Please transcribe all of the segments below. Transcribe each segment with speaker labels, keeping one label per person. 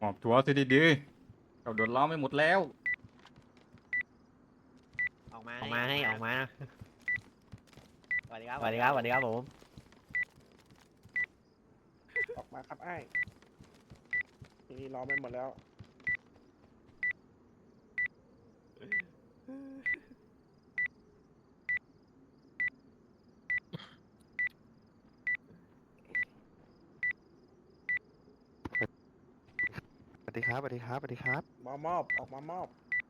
Speaker 1: อบตัวสิดีๆเราโดนล้อมไปหมดแล้ว
Speaker 2: ออกมาให้ออกมาสวัสดีครับผม
Speaker 3: ออกมาครับไอ้ทีนี้ล้อมไปหมดแล้ว
Speaker 4: สวัสดีครับสวัสดีครับสวัสดีครับ
Speaker 3: มามอบออกมามอบ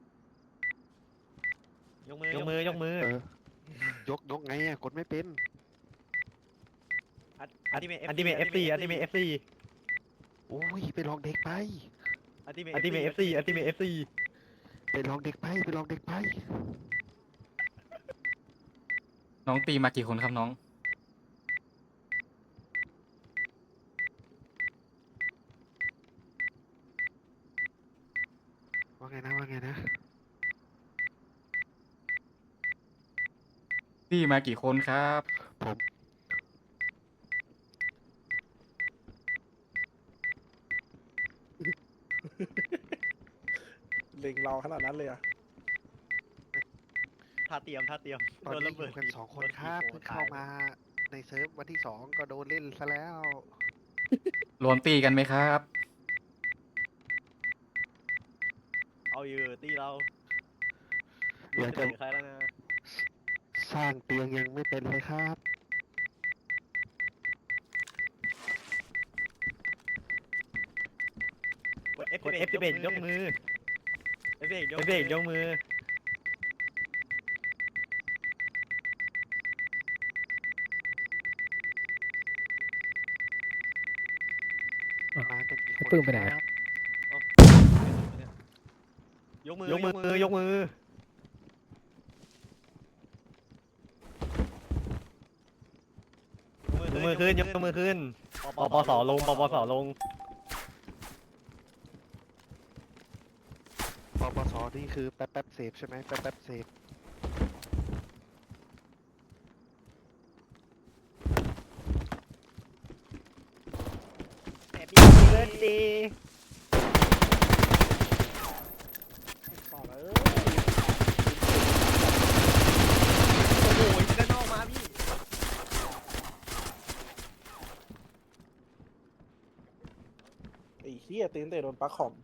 Speaker 2: ยกมือ
Speaker 4: เออยกไงอ่ะกดไม่เป็น
Speaker 2: อันติเมท FC อันติเมท FC
Speaker 4: โอ้ยไปลองเด็กไป
Speaker 2: อันติเมท FC อันติเมท FC
Speaker 4: ไปลองเด็กไปไปลองเด็กไป
Speaker 1: น้องตีมากี่คนครับน้อง
Speaker 4: ว่าไงนะ
Speaker 1: ตีมากี่คนครับ
Speaker 4: ผม
Speaker 3: เล็งเราขนาดนั้นเลยอะ
Speaker 2: ท่าเตรียม
Speaker 4: ตอน
Speaker 2: โดน
Speaker 4: นี้
Speaker 2: ระ
Speaker 4: อ
Speaker 2: เบิด
Speaker 4: ยู่กัน2 คนครับเพิ่งเข้ามาในเซิร์ฟวันที่2ก็โดนเล่นซะแล้ว
Speaker 1: รวมตีกันไหมครับ
Speaker 2: เอาอยู่ตีเรา
Speaker 4: เดี๋ยวจะ
Speaker 2: ใครแล้วนะ
Speaker 4: สร้างเตียงยังไม่เป็นเลยครับ
Speaker 2: กด F11 ยกมือ F11 ยกมือ
Speaker 4: มากันกี่คน
Speaker 5: ปื้มไปไหน
Speaker 4: ค
Speaker 5: อะ
Speaker 4: รับ
Speaker 2: ยกมือยกมือ ยกมือขึ้นปปสลง
Speaker 4: ปปสนี่คือแป๊บเสพใช่ไหมแป๊บเสพ
Speaker 2: Happy birthday
Speaker 3: ต่อเลย
Speaker 2: โอ้โหยิงด้านนอกมาพี่
Speaker 3: ไอ้เหี้ยตีนเตะโดนปลั๊กคอม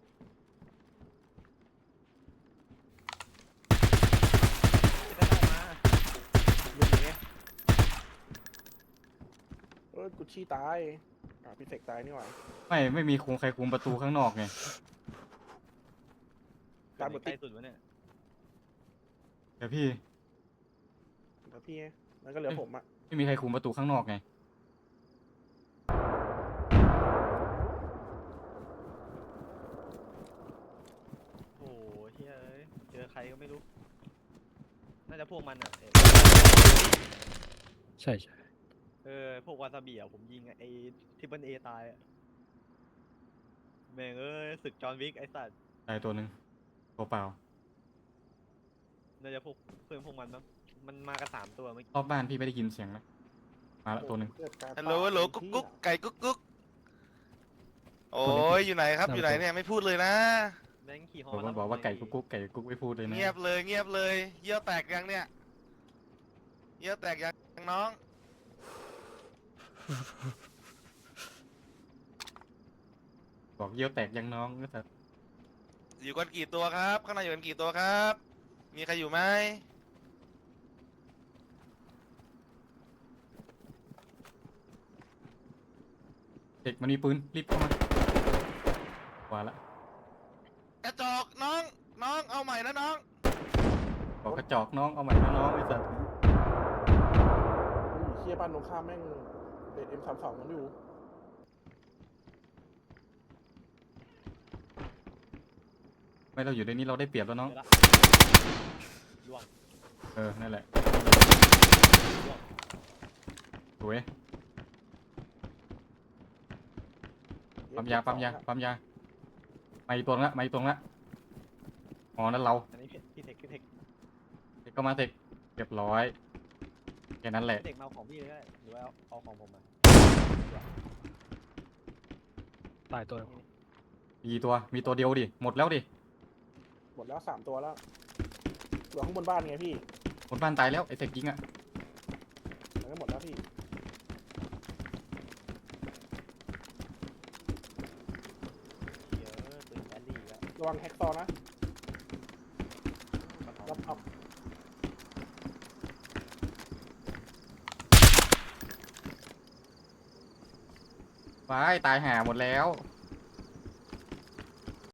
Speaker 3: กูชี้ตายพี่เสกตายนี่หว่า
Speaker 1: ไม่มีใครคุมประตูข้างนอกไง
Speaker 3: ตามหมด
Speaker 2: ใก
Speaker 3: ติ
Speaker 2: ล้
Speaker 3: ด
Speaker 2: สุดวะเนี่ย
Speaker 1: เดี๋ยวพี่
Speaker 3: แล้วพี่ไงแล้วก็เหลือผมอะ
Speaker 1: ไม่มีใครคุมประตูข้างนอกไง
Speaker 2: โอ้โหเฮ้ยเจอใครก็ไม่รู้ น่าจะพวกมันอ่ะ
Speaker 5: ใช่
Speaker 2: พวกวาซาบิอ่ะผมยิงไอ้ทิปเปิลเอตายอ่ะแม่งศึกจอห์นวิกไอ้สัตว์
Speaker 1: ตายตัวหนึ่งตัวเปล่า
Speaker 2: น่าจะพวกเพื่อนพวกมันมั้งมันมากัน3 ตัวเมื่อกี้
Speaker 1: รอบบ้านพี่ไม่ได้ยินเสียงไหมมาละตัวหนึ่ง
Speaker 3: เกิดการ
Speaker 6: ฮัลโหลฮัลโหลกุ๊กกุ๊กไก่กุ๊กกุ๊กโอ้ยอยู่ไหนครับอยู่ไหนเนี่ยไม่พูดเลยนะ
Speaker 2: แม่งขี่ฮอ
Speaker 1: ผม
Speaker 2: มา
Speaker 1: บอกว่าไก่กุ๊กไม่พูดเลยนะ
Speaker 6: เงียบเลยเงียบเลยเยี่ยวแตกยังเนี่ยเยี่ยวแตกยังน้อง
Speaker 1: บอกเยี่ยวแตกยังน้องก็แต่
Speaker 6: อยู่กันกี่ตัวครับข้างในอยู่กันกี่ตัวครับ มีใครอยู่ไหม
Speaker 1: เด็กมันมีปืนรีบเข้ามาว่าละ
Speaker 6: กระจอกน้องเอาใหม่นะน้อง
Speaker 1: บอกกระจอกน้องเอาใหม่นะน้องไอ้สัส
Speaker 3: เหี้ยบ้านตรงข้ามแม่งเด็ด M32 มันอยู่
Speaker 1: ไม่เราอยู่ในนี้เราได้เปรียบแล้วน้อง
Speaker 2: เจอละล่วง
Speaker 1: นั่นแหละ
Speaker 2: ล่วง
Speaker 1: สวยปั๊มยามาอีกตัวละอ๋อนั่นเรา
Speaker 2: อันนี้พี่เทค
Speaker 1: เด็กก็มาเด็กเรียบร้อยแค่นั้นแหละ
Speaker 2: พี่เทคมาเอาของพี่เลยก็ได้หรือว่าเอาของผมมา
Speaker 5: ตายตัว
Speaker 1: พี่กี่ตัวมีตัวเดียวดิหมดแล้วดิ
Speaker 3: หมดแล้ว3 ตัวแล้วเหลือข้างบนบ้านไงพี่
Speaker 1: บนบ้านตายแล้วไอ้เต็กยิงอ่ะ
Speaker 3: มันก็หมดแล้วพี่
Speaker 2: เยอะปืนแบลลี่แล้ว
Speaker 3: ระวังแฮกซอนะรับอัพ
Speaker 1: ว้ายตายห่าหมดแล้ว